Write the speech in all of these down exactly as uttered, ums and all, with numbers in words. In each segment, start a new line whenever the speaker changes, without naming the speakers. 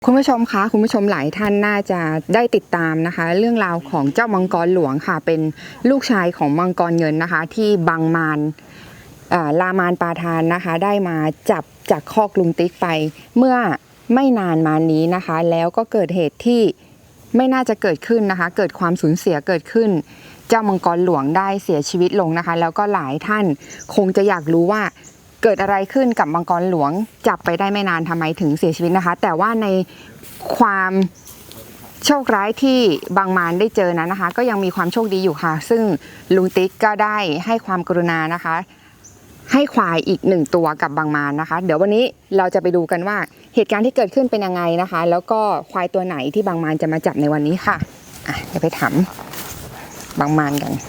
คุณผู้ชมคะคุณผู้ชมหลายท่านน่าจะได้ติดตามนะคะเรื่องราวของเจ้ามังกรหลวงค่ะเป็นลูกชายของมังกรเงินนะคะที่บางมารลามานปาทานนะคะได้มาจับจากคอกลุงติ๊กไปเมื่อไม่นานมานี้นะคะแล้วก็เกิดเหตุที่ไม่น่าจะเกิดขึ้นนะคะเกิดความสูญเสียเกิดขึ้นเจ้ามังกรหลวงได้เสียชีวิตลงนะคะแล้วก็หลายท่านคงจะอยากรู้ว่าเกิดอะไรขึ้นกับมังกรหลวงจับไปได้ไม่นานทำไมถึงเสียชีวิตนะคะแต่ว่าในความโชคร้ายที่บางมารได้เจอนั้นนะคะก็ยังมีความโชคดีอยู่ค่ะซึ่งลุงติ๊กก็ได้ให้ความกรุณานะคะให้ควายอีกหนึ่งตัวกับบางมารนะคะเดี๋ยววันนี้เราจะไปดูกันว่าเหตุการณ์ที่เกิดขึ้นเป็นยังไงนะคะแล้วก็ควายตัวไหนที่บางมารจะมาจับในวันนี้ค่ะอ่ะเดี๋ยวไปถามบางมารกัน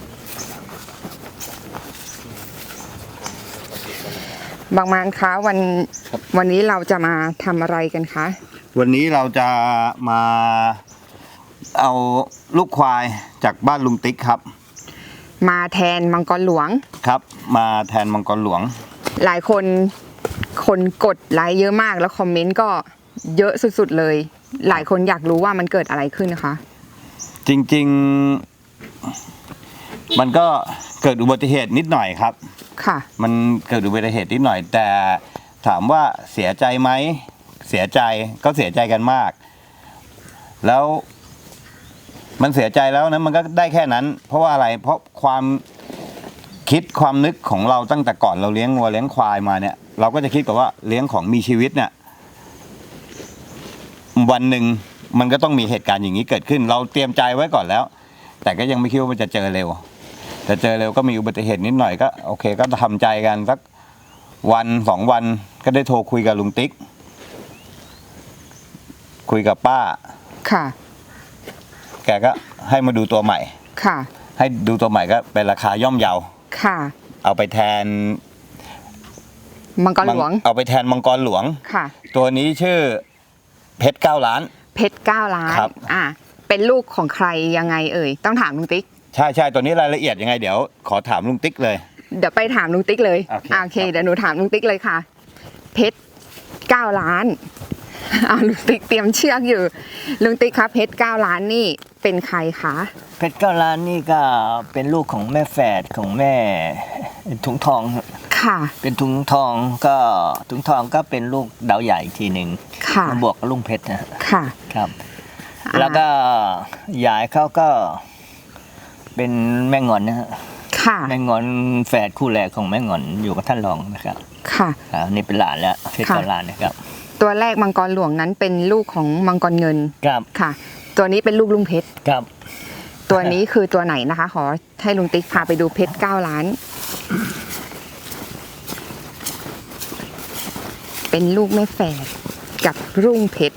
บางมารคะวันวันนี้เราจะมาทำอะไรกันคะ
วันนี้เราจะมาเอาลูกควายจากบ้านลุงติ๊กครับ
มาแทนมังกรหลวง
ครับมาแทนมังกรหลวง
หลายคนคนกดไลค์เยอะมากแล้วคอมเมนต์ก็เยอะสุดๆเลยหลายคนอยากรู้ว่ามันเกิดอะไรขึ้นนะคะ
จริงๆมันก็เกิดอุบัติเหตุนิดหน่อยครับ
ค่ะมัน
เกิดอุบัติเหตุนิดหน่อยแต่ถามว่าเสียใจไหมเสียใจก็เสียใจกันมากแล้วมันเสียใจแล้วนะมันก็ได้แค่นั้นเพราะว่าอะไรเพราะความคิดความนึกของเราตั้งแต่ก่อนเราเลี้ยงวัวเลี้ยงควายมาเนี่ยเราก็จะคิดกับว่าเลี้ยงของมีชีวิตเนี่ยวันหนึ่งมันก็ต้องมีเหตุการณ์อย่างนี้เกิดขึ้นเราเตรียมใจไว้ก่อนแล้วแต่ก็ยังไม่คิดว่ามันจะเจอเร็วแต่เจอเร็วก็มีอุบัติเหตุนิดหน่อยก็โอเคก็ทำใจกันสักวันสองวันก็ได้โทรคุยกับลุงติ๊กคุยกับป้า
ค่ะ
แกก็ให้มาดูตัวใหม่
ค่ะ
ให้ดูตัวใหม่ก็เป็นราคาย่อมเยา
ค่ะ
เอาไปแทน
มังกรหลวง
เอาไปแทนมังกรหลวง
ค่ะ
ตัวนี้ชื่อเพชรเก้าล้าน
เพชรเก้าล้านครับอ่าเป็นลูกของใครยังไงเอ่ยต้องถามลุงติ๊ก
ใช่ใช่ตัวนี้รายละเอียดยังไงเดี๋ยวขอถามลุงติ๊กเลย
เดี๋ยวไปถามลุงติ๊กเลยโอเคโอเคเดี๋ยวหนูถามลุงติ๊กเลยค่ะเพชรเก้าล้านอ่าลุงติ๊กเตรียมเชือกอยู่ลุงติ๊กคะเพชรเก้าล้านนี่เป็นใครคะ
เพชรเก้าล้านนี่ก็เป็นลูกของแม่แฝดของแม่ถุงทอง
ค่ะ
เป็นถุงทองก็ถุงทองก็เป็นลูกดาวใหญ่ทีหนึ่ง
ค่ะ
มาบวกกับลุงเพชรนะ
ค่ะ
ครับแล้วก็ยายเขาก็เป็นแม่งอนนะฮะ
ค่ะ
แม่งอนแฝดคู่แรกของแม่งอนอยู่กับท่านรองนะครับ
ค่ะ
นี่เป็นหลานแล้วเพชรเก้าล้านนะครับ
ตัวแรกมังกรหลวงนั้นเป็นลูกของมังกรเงิน
ครับ
ค่ะตัวนี้เป็นลูกลุงเพชร
ครับ
ตัวนี้คือตัวไหนนะคะขอให้ลุงติ๊กพาไปดูเพชรเก้าล้านเป็นลูกแม่แฝดกับรุ่งเพชร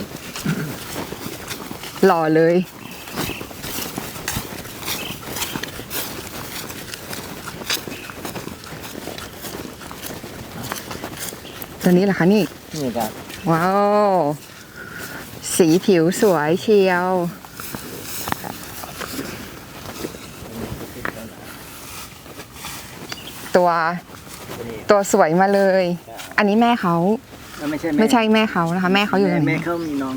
หล่อเลยตัวนี้เหรอคะนี่
นี่ครับ
ว้าวสีผิวสวยเชียวตัวตัวสวยมาเลยอันนี้แม่เขา
ไม่ใช่
ไม่ใช่แม่เขานะคะแม่เขาอยู่ไหน
แม่เขามีน้อง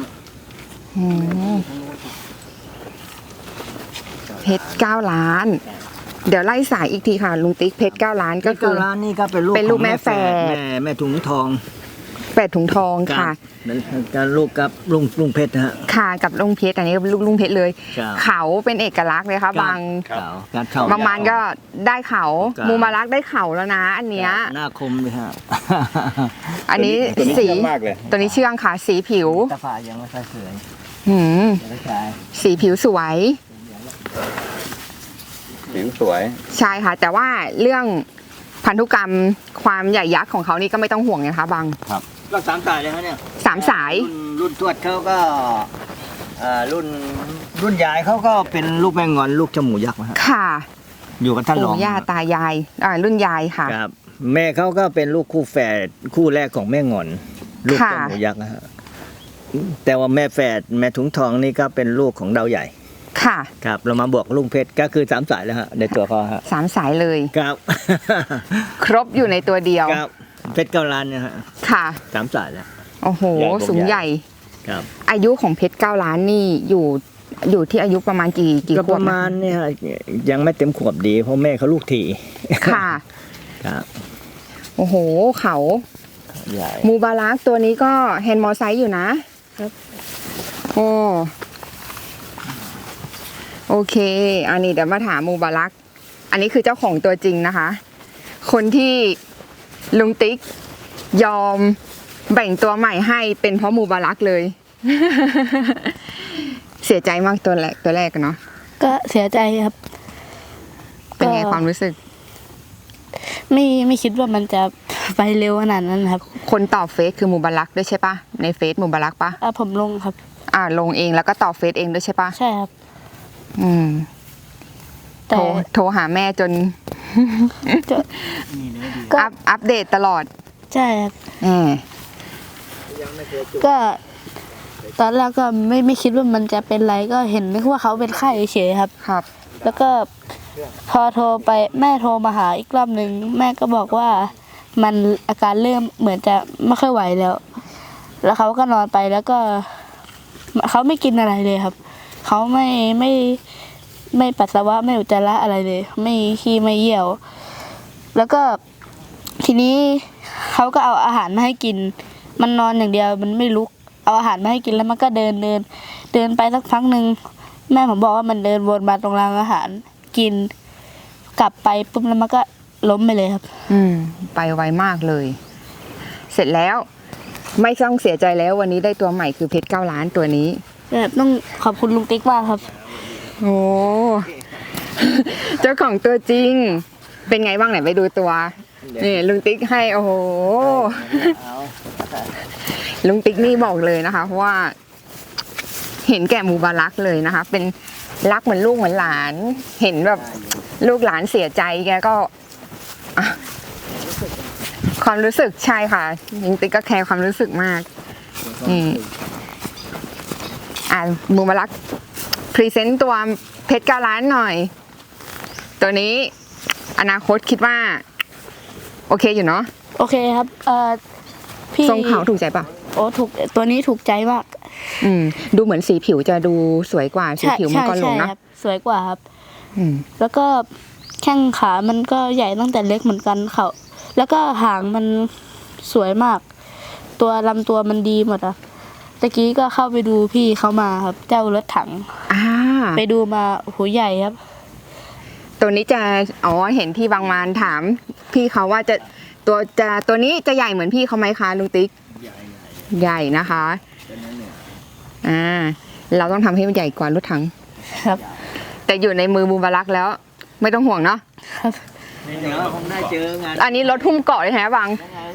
เพชรเก้าล้านเดี๋ยวไล่สายอีกทีค่ะลุงติ๊กเพชรเก้าล้านก็คือ
เก้าล้านนี่ก็เป็นลูก
เป็นลูกแม่แฝด
แม่แม่ถุงทอง
แฝดถุงทองค่ะ
การลูกกับลุงลุงเพชรนะฮะ
ค่ะกับลุงเพชรอันนี้ลูกลุงเพชรเลยเขาเป็นเอกลักษณ์เลยค่ะบางบางมันก็ได้เขามูมารักได้เขาแล้วนะอันเนี้ย
หน้าคมเลยฮะ
อันนี้สีตัวนี้เชื่องค่ะสีผิว
ตาฝายังไม่ค่อยสวย
หืมสีผิวสวย
ผิวสวย
ใช่ค่ะแต่ว่าเรื่องพันธุกรรมความใหญ่ยักษ์ของเขานี่ก็ไม่ต้องห่วงนะคะบาง
ครับก็สามสายเลยฮะเนี่ย
สามสาย
รุ่นทวดเขาก็รุ่นรุ่นยายเขาก็เป็นลูกแมงงอนลูกจมูกยักษ์นะฮะ
ค่ะ
อยู่กับท่านรอง
ปู่ย่าตายายอ่ารุ่นยายค่ะ
ครับแม่เขาก็เป็นลูกคู่แฝดคู่แรกของแม่งอนลูกจมูกยักษ์นะฮะแต่ว่าแม่แฝดแม่ถุงทองนี่ก็เป็นลูกของดาวใหญ่
ค่ะ
ครับเรามาบวกลุงเพชรก็คือสามสายแล้วฮะในตัวเขาฮะ
สามสายเลย
ครับ
ครบอยู่ในตัวเดียว
ครับเพชรเก้าล้านเนี่ยฮะ
ค่ะ
สามสายแล้ว
โอ้โหสูงใหญ่
ครับ
อายุของเพชรเก้าล้านนี่อยู่อยู่ที่อายุประมาณกี่กี่
ก็
ข
ป
วบ
ระ
นะ
มาณเนี่ยยังไม่เต็มขวบดี เพราะแม่เขาลูกถี่
ค่ะ
ครับ
โอ้โหเขา
ใหญ่
มูบารักตัวนี้ก็แฮนด์มอไซค์อยู่นะครับ โอ้โอเค อันนี้เดี๋ยวมาถามมูบารัก อันนี้คือเจ้าของตัวจริงนะคะ คนที่ลุงติ๊กยอมแบ่งตัวใหม่ให้เป็นเพราะมูบารักเลย เสียใจมากตัวแรกตัวแรกอะเนาะ
ก็เสียใจครับ
เป็นไง
ก็
ความรู้สึก
ไม่ไม่คิดว่ามันจะไปเร็วขนาดนั้นครับ
คนตอบเฟซคือมูบารักด้วยใช่ปะในเฟซมูบารักปะ
อ่ะผมลงครับ
อ่าลงเองแล้วก็ตอบเฟซเองด้วยใช่ปะ
ใช่ครับ
อืม โท
แต่
รโทรหาแม่จน
จะ ก็
อัพอัปเดตตลอด
ใช่ครับ
แหม
ก็ ตอนแรกก็ไม่ไม่คิดว่ามันจะเป็นไรก็เห็นนึกว่าเขาเป็นไข้เฉยๆครับ
ครับ
แล้วก็พอโทรไปแม่โทรมาหาอีกรอบหนึ่งแม่ก็บอกว่ามันอาการเริ่มเหมือนจะไม่ค่อยไหวแล้ว แล้วเขาก็นอนไปแล้วก็เขาไม่กินอะไรเลยครับเขาไม่ไม่ไม่ปัสสาวะไม่อุจจาระอะไรเลย ไม่ขี้ไม่เยี่ยว แล้วก็ทีนี้เขาก็เอาอาหารมาให้กิน มันนอนอย่างเดียวมันไม่ลุกเอาอาหารมาให้กินแล้วมันก็เดินเดิน เดินไปสักพักหนึ่งแม่ผมบอกว่ามันเดินวนมาตรงรางอาหารกิน กลับไปปุ๊บแล้วมันก็ล้มไปเลยครับ
อืม ไปไวมากเลย เสร็จแล้ว ไม่ต้องเสียใจแล้ววันนี้ได้ตัวใหม่คือเพชรเก้าล้านตัวนี้
แบบต้องขอบคุณลุงติ๊กมากครับ
โอ้ เจ้าของตัวจริง เป็นไงบ้างไหนไปดูตัว นี่ลุงติ๊กให้ โอ้โห ลุงติ๊กนี่บอกเลยนะคะ เพราะว่า เห็นแก่มูบารักเลยนะคะ เป็นรักเหมือนลูกเหมือนหลาน เห็นแบบลูกหลานเสียใจแกก็อ่ะความรู้สึกใช่ค่ะลุงติ๊กก็แคร์ความรู้สึกมากนี่อ่ามูบารักพรีเซนต์ตัวเพชรเก้าล้านหน่อย ตัวนี้อนาคตคิดว่า โอเคอยู่เนาะ
โอเคครับเอ่อพี่
ทรงเขาถูกใจปะ
โอ้ถูกตัวนี้ถูกใจมาก
อืม ดูเหมือนสีผิวจะดูสวยกว่าสี
ใช่
ผิวมัง
ใช่
กรหลว
ใช่
งเนาะ
ครับ สวยกว่าครับ
อืม
แล้วก็แข้งขามันก็ใหญ่ตั้งแต่เล็กเหมือนกันเขาแล้วก็หางมันสวยมาก ตัวลำตัวมันดีหมดอะตะกี้ก็เข้าไปดูพี่เขามาครับ เจ้ารถถัง
อ่า
ไปดูมาโอ้โหใหญ่ครับ
ตัวนี้จะอ๋อเห็นพี่บางมานถาม พี่เขาว่าจะตัวจะตัวนี้จะใหญ่เหมือนพี่เขาไหมคะลุงติ๊กใหญ่นะคะอ่าเราต้องทำให้มันใหญ่กว่ารถถัง
ครับ
แต่อยู่ในมือบูบารักแล้ว ไม่ต้องห่วงเนาะ
เดี๋ยวคงได้เจองาน
อันนี้รถหุ้มเกาะเลยแท้บัง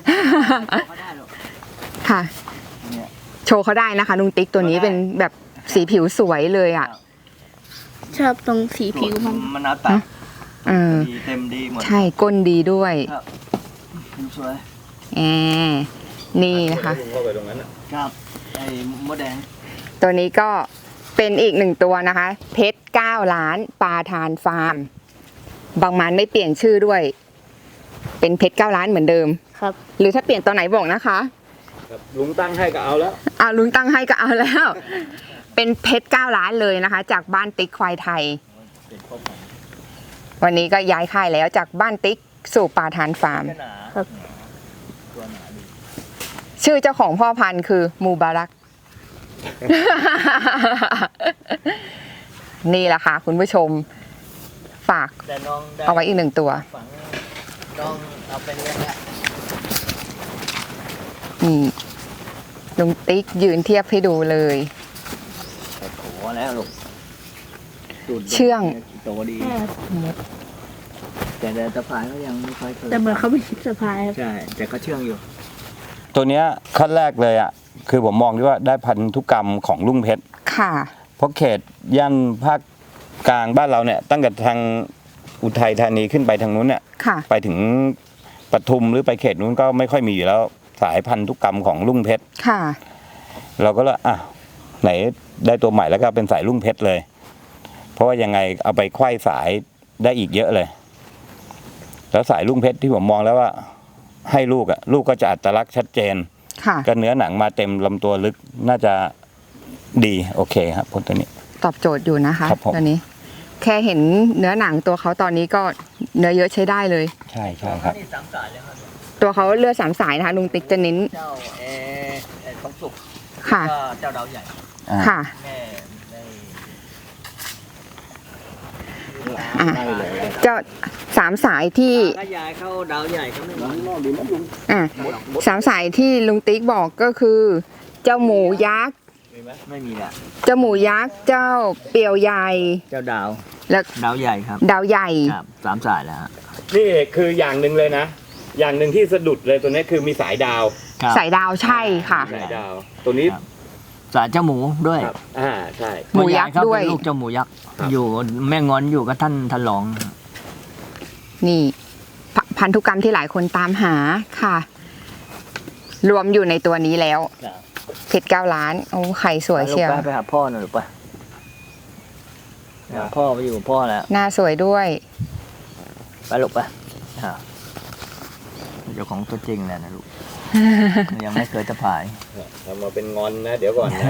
ค่ะ โชว์เขาได้นะคะลุงติ๊กตัวนี้เป็นแบบสีผิวสวยเลยอ่ะ
ชอบตรงสีผิวมัน
มันเอาตัด
เออ
ดีเต็มดีหมด
ใช่ก้นดีด้วย
ครับผิวสวย
แอมนี่นะคะ
ครับไอ้มดแดง
ตัวนี้ก็เป็นอีกหนึ่งตัวนะคะ เพชรเก้าล้านปลาทานฟาร์ม บางมันไม่เปลี่ยนชื่อด้วย เป็นเพชรเก้าล้านเหมือนเดิม
ครับ
หรือถ้าเปลี่ยนตอนไหนบอกนะคะ
ลุงตั้งให้ก็เอาแล้ว
อ่าลุงตั้งให้ก็เอาแล้ว เป็นเพชรเก้าล้านเลยนะคะ จากบ้านติ๊กควายไทย วันนี้ก็ย้ายค่ายแล้วจากบ้านติ๊กสู่ปลาทานฟาร์ม
ครับ
ชื่อเจ้าของพ่อพันธุ์คือมูบารัก นี่แหละค่ะคุณผู้ชมฝาก
แต่น้องได้
เอาไว้อีกหนึ่งตัว
ฝังน้องเอาไปเลี้ยงละ
นี่ลุงติ๊กยืนเทียบให้ดูเลย
แต่โถแล้วลูกสูตรด็ด
เชื่อง
โตดี แต่แต่ตะพายก็ยังไม่ค่อยเคย
แต่เหมือนเขาไม่คิดสะพายครับ
ใช่ แต่ก็เชื่องอยู่
ตัวเนี้ยขั้นแรกเลยอ่ะคือผมมองที่ว่าได้พันธุกรรมของลุงเพชร
ค่ะ
เพราะเขตย่านภาคกลางบ้านเราเนี่ยตั้งแต่ทางอุทัยธานีขึ้นไปทางนู้นเนี่ย
ค่ะ
ไปถึงปทุมหรือไปเขตนู้นก็ไม่ค่อยมีอยู่แล้วสายพันธุกรรมของลุงเพชร
ค่ะ
เราก็เลยอ่ะไหนได้ตัวใหม่แล้วก็เป็นสายลุงเพชรเลย เพราะว่ายังไงเอาไปไขว้สายได้อีกเยอะเลย แล้วสายลุงเพชรที่ผมมองแล้วว่า ให้ลูกอ่ะลูกก็จะอัตลักษณ์ชัดเจน
ค่ะ
ก็เนื้อหนังมาเต็มลำตัวลึกน่าจะดีโอเคครับพวกตัวนี้
ตอบโจทย์อยู่นะคะ
ครับผม
ตัวนี้ แค่เห็นเนื้อหนังตัวเขาตอนนี้ก็เนื้อเยอะใช้ได้เลย
ใช่ใช่ครับ
นี่สามสายเลยครับ
ตัวเขาเลือดสามสายนะคะลุงติ๊กจะเน้น
เจ้าเอเอทองสุก
ค่ะ
ก็เจ้าดาวใหญ่
อ่า
ค่ะ
แม่ได้
อ่ะเจ้าสามสายที่
ถ้ายายเข้าดาวใหญ่ก็ไม่มี
อ่ะสามสายที่ลุงติ๊กบอกก็คือ เจ้าหมูยักษ์
ไม่มีแหละ
เจ้าหมูยักษ์เจ้าเปียวใหญ่
เจ้าดาว
และ
ดาวใหญ่ครับ
ดาวใหญ่
ครับสามสายแล้วฮะ
นี่คืออย่างหนึ่งเลยนะ อย่างหนึ่งที่สะดุดเลยตัวนี้คือมีสายดาว
ครับ
สายดาวใช่ค่ะ
สายดาว ตัวนี้
ครับ สายเจ้าหมูด้วย
ครับอ่าใช่
หมูยักษ์
เขา
ด้วย
เป็นลูกเจ้าหมูยักษ์
ครับ
อยู่แม่งอนอยู่กับท่านท่านรอง
นี่พพันธุกรรมที่หลายคนตามหาค่ะ รวมอยู่ในตัวนี้แล้วเพชรเก้าล้าน โอ้ไข่สวยเชียว
ไปไปหาพ่อหน่อยหรือปะหาพ่อไปอยู่กับพ่อแล้ว
หน้าสวยด้วย
ไปลูกไปอ่าเจ้าของตัวจริงแหละนะลูก ยังไม่เคยจะผาย
ทำมาเป็นงอนนะเดี๋ยวก่อนนะ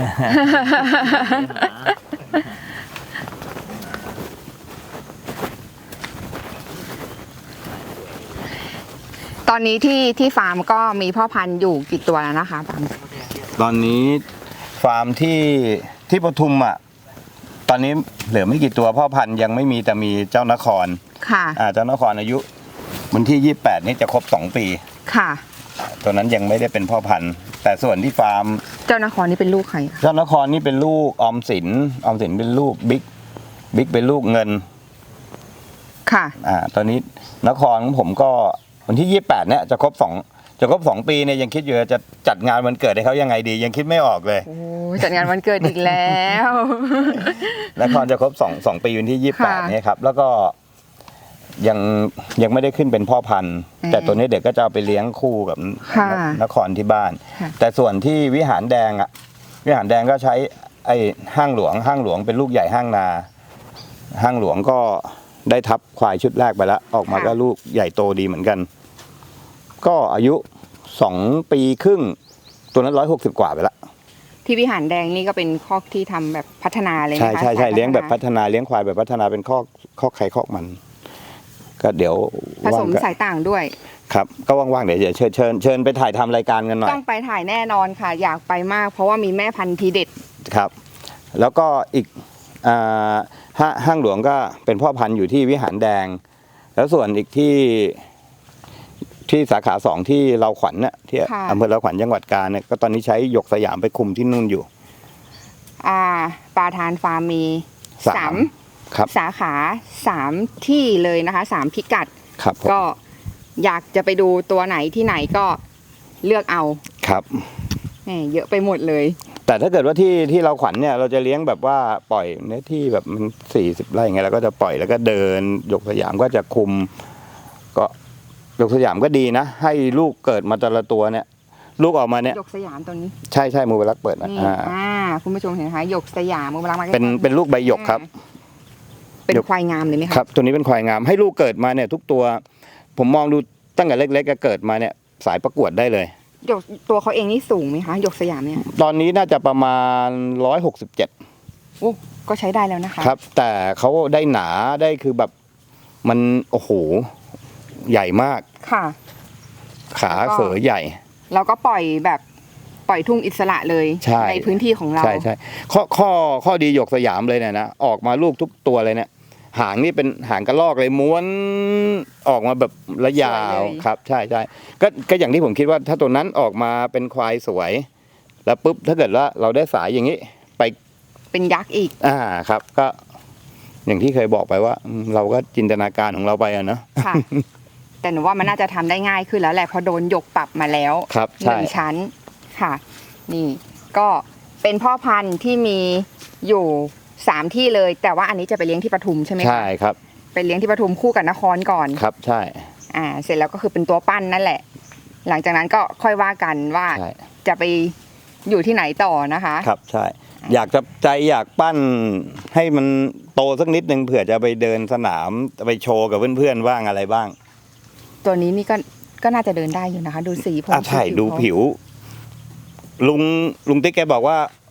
ตอนนี้ที่ที่ฟาร์มก็มีพ่อพันธุ์อยู่กี่ตัวแล้วนะคะบาง
ตอนนี้ฟาร์มที่ที่ปทุมอ่ะตอนนี้เหลือไม่กี่ตัวพ่อพันธุ์ยังไม่มีแต่มีเจ้านคร
ค่ะ
อ่าเจ้านครอายุวันที่ยี่สิบแปดนี้จะครบสองปี
ค่ะ
ตัวนั้นยังไม่ได้เป็นพ่อพันธุ์ แต่ส่วนที่ฟาร์ม
เจ้านครนี่เป็นลูกใครอะ
เจ้านครนี่เป็นลูกออมสินออมสินเป็นลูกบิ๊กบิ๊กเป็นลูกเงิน
ค่ะ
อ่าตอนนี้นครของผมก็วันที่ยี่สิบแปดเนี่ยจะครบสองจะครบสองปีเนี่ยยังคิดอยู่จะจัดงานวันเกิดให้เขายังไงดี ยังคิดไม่ออกเลย
โอ้จัดงานวันเกิดอีกแล้ว
นครจะครบสองสองปีวันที่ยี่สิบแปด
ค่ะ
เนี่ยครับแล้วก็ยังยังไม่ได้ขึ้นเป็นพ่อพันธุ์
อืม
แต่ตัวนี้เด็กก็จะเอาไปเลี้ยงคู่กับ
ค่ะ
นครที่บ้าน
ค่ะ
แต่ส่วนที่วิหารแดงอ่ะวิหารแดงก็ใช้ไอ้ห้างหลวงห้างหลวงเป็นลูกใหญ่ห้างนา ห้างหลวงก็ได้ทับควายชุดแรกไปแล้วออกมาก็ลูกใหญ่โตดีเหมือนกัน ก็อายุสองปีครึ่งตัวนั้นร้อยหกสิบกว่าไปแล้ว
ที่วิหารแดงนี่ก็เป็นคอกที่ทำแบบพัฒนาเลยไหม
ใช่
คะ
ใช่ใช่
สา
เลี้ยงแบบพั
ฒนา
ฒนาเลี้ยงควายแบบพัฒนาเป็นคอกคอกไข่คอกมัน ก็เดี๋ยว
ผสม
ว่างๆ
สายต่างด้วย
ครับก็ว่างๆเดี๋ยวเดี๋ยวเชิญเชิญเชิญไปถ่ายทำรายการกันหน่อย
ต้องไปถ่ายแน่นอนค่ะ อยากไปมาก เพราะว่ามีแม่พันธุ์ทีเด็ด
ครับ แล้วก็อีกอ่าห้าห้างหลวงก็เป็นพ่อพันธุ์อยู่ที่วิหารแดง แล้วส่วนอีกที่ที่สาขาสองที่เราขวัญเนี่ยที่
ค่ะ
อำเภอเราขวัญจังหวัดกาญเนี่ยก็ตอนนี้ใช้หยกสยามไปคุมที่นู่นอยู่
อ่าปลาทานฟาร์มมี
สาม
สาม
ครับ
สาขาสามที่เลยนะคะสามพิกัด
ครับผม
ก็อยากจะไปดูตัวไหนที่ไหนก็เลือกเอา
ครับ
แหมเยอะไปหมดเลย
แต่ถ้าเกิดว่าที่ที่เราขวัญเนี่ยเราจะเลี้ยงแบบว่าปล่อยเนื้อที่แบบมันสี่สิบไร่ไงเราก็จะปล่อยแล้วก็เดินหยกสยามก็จะคุม ก็หยกสยามก็ดีนะ ให้ลูกเกิดมาแต่ละตัวเนี่ย ลูกออกมาเนี่ย
หยกสยามตัวนี้
ใช่ใช่มูเบลักเปิดนะ
นี่
อ่า
อ่าคุณผู้ชมเห็นไหมคะหยกสยามมือมาลังมา
เป็นเป็นลูกใบหยกครับ
เป็น
หยก
ควายงามเลยไหมคะ
ครับ ตัวนี้เป็นควายงามให้ลูกเกิดมาเนี่ย ทุกตัว ผมมองดูตั้งแต่เล็กๆก็เกิดมาเนี่ยสายประกวดได้เลย
หยกตัวเขาเองนี่สูงไหมคะหยกสยามเนี่ย
ตอนนี้น่าจะประมาณร้อยหกสิบเจ็ด
โอ้ก็ใช้ได้แล้วนะคะ
ครับ แต่เขาได้หนาได้คือแบบมันโอ้โหใหญ่มาก
ค่ะ
ขา
แล้วก็
เขอใหญ่
เราก็ปล่อยแบบปล่อยทุ่งอิสระเลย
ใช่
พื้นที่ของเรา
ใช่ใช่ข้อข้อข้อดีหยกสยามเลยเนี่ยนะออกมาลูกทุกตัวเลยเนี่ย หางนี่เป็นหางกระรอกเลยม้วนออกมาแบบระยาวครับ ใช่ใช่ก็ก็อย่างที่ผมคิดว่าถ้าตัวนั้นออกมาเป็นควายสวย แล้วปุ๊บถ้าเกิดว่าเราได้สายอย่างนี้ไป
เป็นยักษ์อีก
อ่าครับ ก็ อย่างที่เคยบอกไปว่าอืมเราก็จินตนาการของเราไปอะเนาะ
ค่ะ แต่หนูว่ามันน่าจะทำได้ง่ายขึ้นแล้วแหละเพราะโดนหยกปรับมาแล้ว
ครับ
ห
ใช่
นึ่งชั้นค่ะ นี่ก็เป็นพ่อพันธุ์ที่มีอยู่สามที่เลย แต่ว่าอันนี้จะไปเลี้ยงที่ปทุมใช่ไหมคะ
ใช่ครับ
ไปเลี้ยงที่ปทุมคู่กับนครก่อน
ครับใช่
อ่า เสร็จแล้วก็คือเป็นตัวปั้นนั่นแหละ หลังจากนั้นก็ค่อยว่ากันว่า
ใช่
จะไปอยู่ที่ไหนต่อนะคะ
ครับใช่ อยากจะใจอยากปั้นให้มันโตสักนิดนึงเผื่อจะไปเดินสนามไปโชว์กับเพื่อนๆบ้างอะไรบ้าง
ตัวนี้นี่ก็ก็น่าจะเดินได้อยู่นะคะ ดูสีผม
อ่ะใช่
สี
ดู
เขา
ผิว ลุงลุงติ๊กแกบอกว่า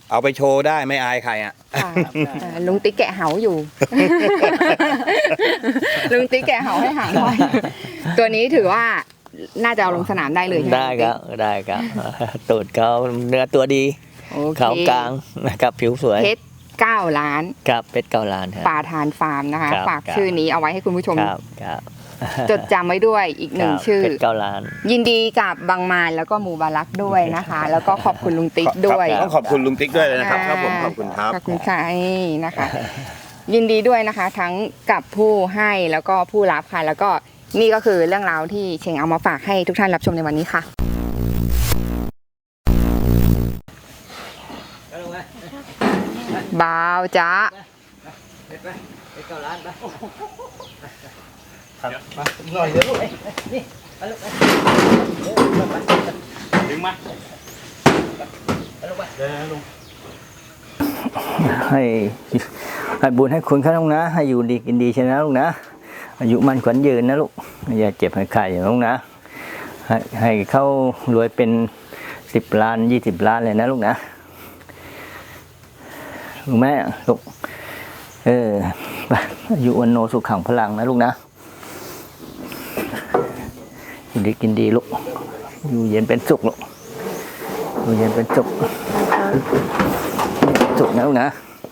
เอาไปโชว์ได้ไม่อายใครอ่ะ
ค่ะเอ่อลุงติ๊กแกะเหาอยู่ ลุงติ๊กแกะเหาให้หางไว้ตัวนี้ถือว่าน่าจะเอาลงสนามได้เลยใช่ไหม
ได้ครับได้ครับตูดเขาเนื้อตัวดี
โอเค
เขากลางนะครับผิวสวย
เพชรเก้าล้าน
ครับเป็ดเก้าล้านครับ
ปาทานฟาร์มนะคะ
ครับ
ฝาก
ครับ
ชื่อนี้เอาไว้ให้คุณผู้ชม
ครับครับ
จดจำไว้ด้วยอีกหนึ่ง
ครับ
ชื่อ
เป็ดเก้าล้าน
ยินดีกับบางมานแล้วก็มูบารักด้วยนะคะ แล้วก็ขอบคุณลุงติ๊กด้วย
ครับต้องขอบคุณลุงติ๊กด้วยเลยนะครับครับผมขอบคุณครับ
ขอบคุณค่ะนะคะ ยินดีด้วยนะคะ ทั้งกับผู้ให้แล้วก็ผู้รับค่ะ แล้วก็นี่ก็คือเรื่องราวที่เชงเอามาฝากให้ทุกท่านรับชมในวันนี้ค่ะ บ่าวจ้า
เป็ดเก้าล้านไป
ดึงมา
ให้ให้บุญให้คุณเขาลูกนะ ให้อยู่ดีกินดีใช่ไหมลูกนะอายุมันขวัญยืนนะลูกอย่าเจ็บให้ไข้อย่างลูกนะให้ให้เขารวยเป็นสิบล้านยี่สิบล้านเลยนะลูกนะลูกแม่ลูกเออไปอายุวันโนสุขขังพลังนะลูกนะอยู่ดีกินดีลูกอยู่เย็นเป็นสุขลูกอยู่เย็นเป็นสุขสุขนะลูกนะ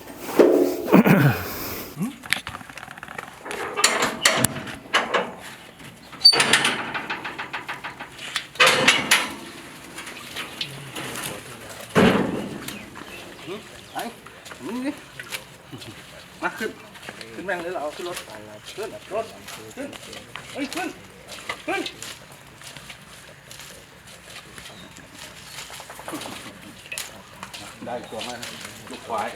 มาขึ้นขึ้นแม่งเลยเราขึ้นรถขึ้นรถขึ้นเฮ้ยขึ้นขึ้นได้ตัวมาลูกควาย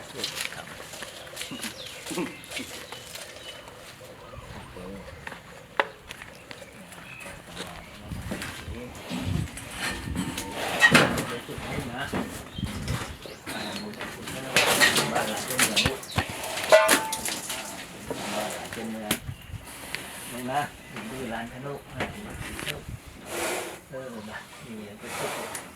เป็นเมืองลงนะดูร้านขนมเออมามีเป็นสุข